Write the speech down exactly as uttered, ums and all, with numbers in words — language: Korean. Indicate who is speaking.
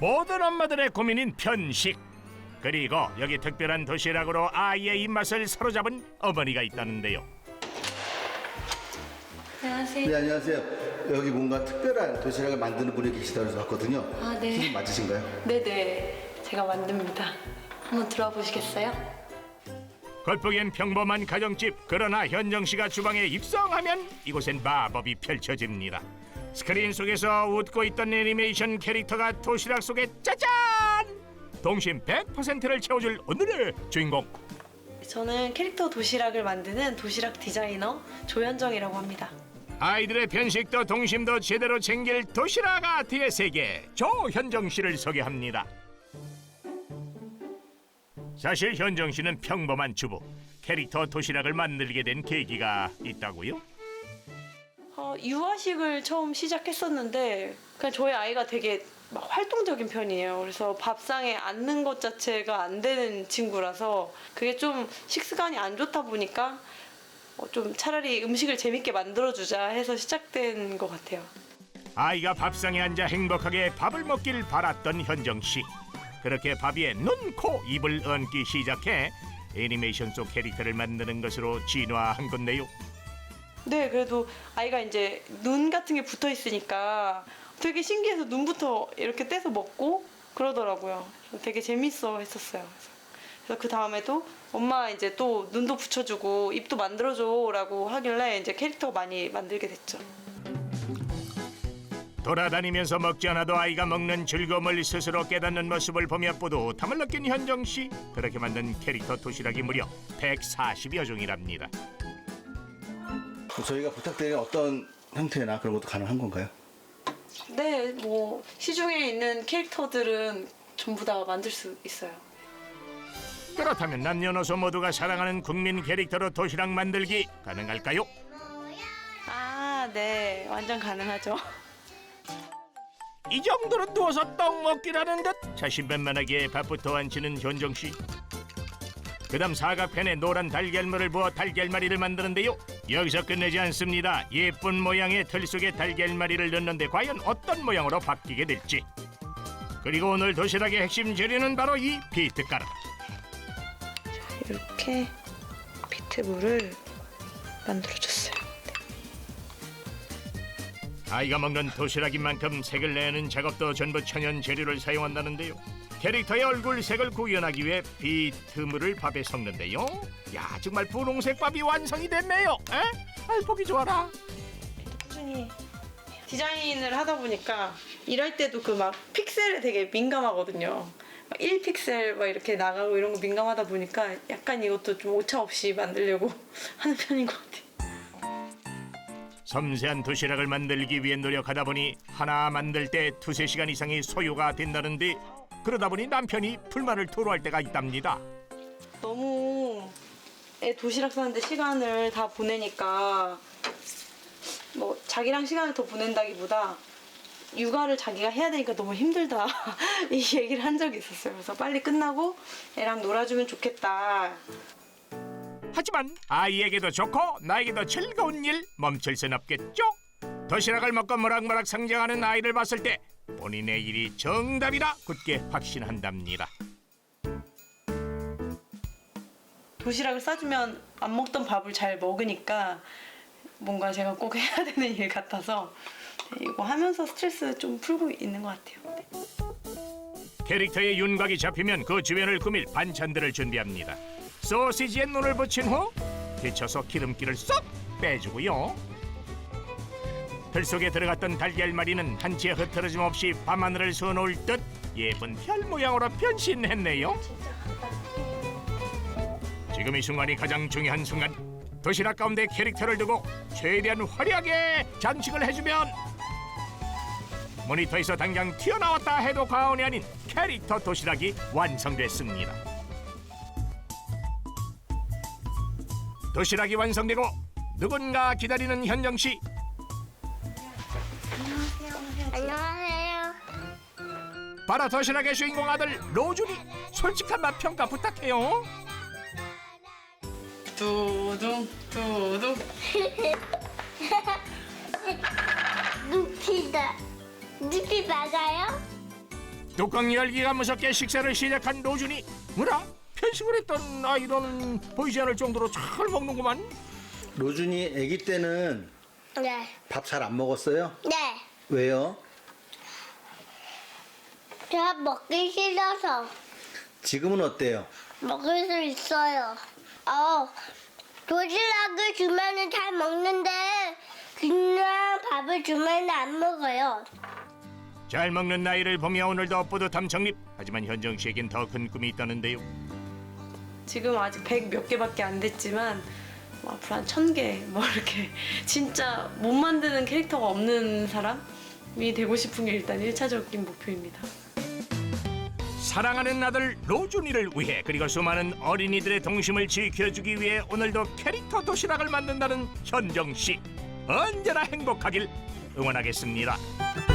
Speaker 1: 모든 엄마들의 고민인 편식. 그리고 여기 특별한 도시락으로 아이의 입맛을 사로잡은 어머니가 있다는데요.
Speaker 2: 안녕하세요.
Speaker 3: 네, 안녕하세요. 여기 뭔가 특별한 도시락을 만드는 분이 계시다고 해서 왔거든요.
Speaker 2: 아, 네.
Speaker 3: 선생님 맞으신가요?
Speaker 2: 네네. 제가 만듭니다. 한번 들어와 보시겠어요?
Speaker 1: 겉보기엔 평범한 가정집. 그러나 현정 씨가 주방에 입성하면 이곳엔 마법이 펼쳐집니다. 스크린 속에서 웃고 있던 애니메이션 캐릭터가 도시락 속에 짜잔! 동심 백 퍼센트를 채워줄 오늘의 주인공.
Speaker 2: 저는 캐릭터 도시락을 만드는 도시락 디자이너 조현정이라고 합니다.
Speaker 1: 아이들의 편식도 동심도 제대로 챙길 도시락 아트의 세계, 조현정 씨를 소개합니다. 사실 현정 씨는 평범한 주부. 캐릭터 도시락을 만들게 된 계기가 있다고요?
Speaker 2: 어, 유아식을 처음 시작했었는데 그냥 저희 아이가 되게 막 활동적인 편이에요. 그래서 밥상에 앉는 것 자체가 안 되는 친구라서 그게 좀 식습관이 안 좋다 보니까 어, 좀 차라리 음식을 재밌게 만들어주자 해서 시작된 것 같아요.
Speaker 1: 아이가 밥상에 앉아 행복하게 밥을 먹길 바랐던 현정 씨. 그렇게 밥 위에 눈, 코, 입을 얹기 시작해 애니메이션 속 캐릭터를 만드는 것으로 진화한 건데요.
Speaker 2: 네, 그래도 아이가 이제 눈 같은 게 붙어 있으니까 되게 신기해서 눈부터 이렇게 떼서 먹고 그러더라고요. 되게 재밌어 했었어요. 그래서 그 다음에도 엄마 이제 또 눈도 붙여주고 입도 만들어줘라고 하길래 이제 캐릭터 많이 만들게 됐죠.
Speaker 1: 돌아다니면서 먹지 않아도 아이가 먹는 즐거움을 스스로 깨닫는 모습을 보며 뿌듯함을 느낀 현정 씨. 그렇게 만든 캐릭터 도시락이 무려 백사십여 종이랍니다.
Speaker 3: 저희가 부탁드리는 어떤 형태나 그런 것도 가능한 건가요?
Speaker 2: 네, 뭐 시중에 있는 캐릭터들은 전부 다 만들 수 있어요.
Speaker 1: 그렇다면 남녀노소 모두가 사랑하는 국민 캐릭터로 도시락 만들기 가능할까요?
Speaker 2: 아, 네, 완전 가능하죠.
Speaker 1: 이 정도로 누워서 떡 먹기라는 듯 자신만만하게 밥부터 안 치는 현정 씨. 그다음 사각팬에 노란 달걀물을 부어 달걀말이를 만드는데요. 여기서 끝내지 않습니다. 예쁜 모양의 틀 속에 달걀말이를 넣는데 과연 어떤 모양으로 바뀌게 될지. 그리고 오늘 도시락의 핵심 재료는 바로 이 비트가루.
Speaker 2: 이렇게 비트물을 만들어줬어요.
Speaker 1: 아이가 먹는 도시락인 만큼 색을 내는 작업도 전부 천연 재료를 사용한다는데요. 캐릭터의 얼굴 색을 구현하기 위해 비트물을 밥에 섞는데요. 야, 정말 분홍색 밥이 완성이 됐네요. 에? 아이, 보기 좋아라.
Speaker 2: 꾸준히 디자인을 하다 보니까 일할 때도 그 막 픽셀에 되게 민감하거든요. 막 일 픽셀 막 이렇게 나가고 이런 거 민감하다 보니까 약간 이것도 좀 오차 없이 만들려고 하는 편인 것 같아요.
Speaker 1: 섬세한 도시락을 만들기 위해 노력하다 보니 하나 만들 때 두세 시간 이상이 소요가 된다는데 그러다 보니 남편이 불만을 토로할 때가 있답니다.
Speaker 2: 너무 애 도시락 싸는데 시간을 다 보내니까 뭐 자기랑 시간을 더 보낸다기보다 육아를 자기가 해야 되니까 너무 힘들다 이 얘기를 한 적이 있었어요. 그래서 빨리 끝나고 애랑 놀아주면 좋겠다.
Speaker 1: 하지만 아이에게도 좋고 나에게도 즐거운 일 멈출 순 없겠죠? 도시락을 먹고 모락모락 성장하는 아이를 봤을 때 본인의 일이 정답이라 굳게 확신한답니다.
Speaker 2: 도시락을 싸주면 안 먹던 밥을 잘 먹으니까 뭔가 제가 꼭 해야 되는 일 같아서 이거 하면서 스트레스 좀 풀고 있는 것 같아요. 네.
Speaker 1: 캐릭터의 윤곽이 잡히면 그 주변을 꾸밀 반찬들을 준비합니다. 소시지에 눈을 붙인 후 데쳐서 기름기를 쏙 빼주고요. 틀 속에 들어갔던 달걀말이는 한치의 흐트러짐 없이 밤하늘을 수놓을 듯 예쁜 별 모양으로 변신했네요. 지금 이 순간이 가장 중요한 순간. 도시락 가운데 캐릭터를 두고 최대한 화려하게 장식을 해주면 모니터에서 당장 튀어나왔다 해도 과언이 아닌 캐릭터 도시락이 완성됐습니다. 도시락이 완성되고 누군가 기다리는 현정 씨.
Speaker 4: 안녕하세요.
Speaker 1: 바로 도시락의 주인공 아들 로준이. 솔직한 맛 평가 부탁해요.
Speaker 2: 두둥 두둥.
Speaker 4: 누피다. 누피 맞아요?
Speaker 1: 뚜껑 열기가 무섭게 식사를 시작한 노준이. 뭐라? 편식을 했던 아이로는 보이지 않을 정도로 잘 먹는구만.
Speaker 3: 로준이 아기 때는
Speaker 4: 네.
Speaker 3: 밥 잘 안 먹었어요?
Speaker 4: 네.
Speaker 3: 왜요?
Speaker 4: 제가 먹기 싫어서
Speaker 3: 지금은 어때요?
Speaker 4: 먹을 수 있어요. 어, 도시락을 주면은 잘 먹는데 그냥 밥을 주면은 안 먹어요.
Speaker 1: 잘 먹는 나이를 보며 오늘도 뿌듯함 정립. 하지만 현정 씨에겐 더 큰 꿈이 있다는데요.
Speaker 2: 지금 아직 백 몇 개밖에 안 됐지만 뭐 앞으로 한 천 개 뭐 이렇게 진짜 못 만드는 캐릭터가 없는 사람이 되고 싶은 게 일단 일차적인 목표입니다.
Speaker 1: 사랑하는 아들 로준이를 위해 그리고 수많은 어린이들의 동심을 지켜주기 위해 오늘도 캐릭터 도시락을 만든다는 현정 씨. 언제나 행복하길 응원하겠습니다.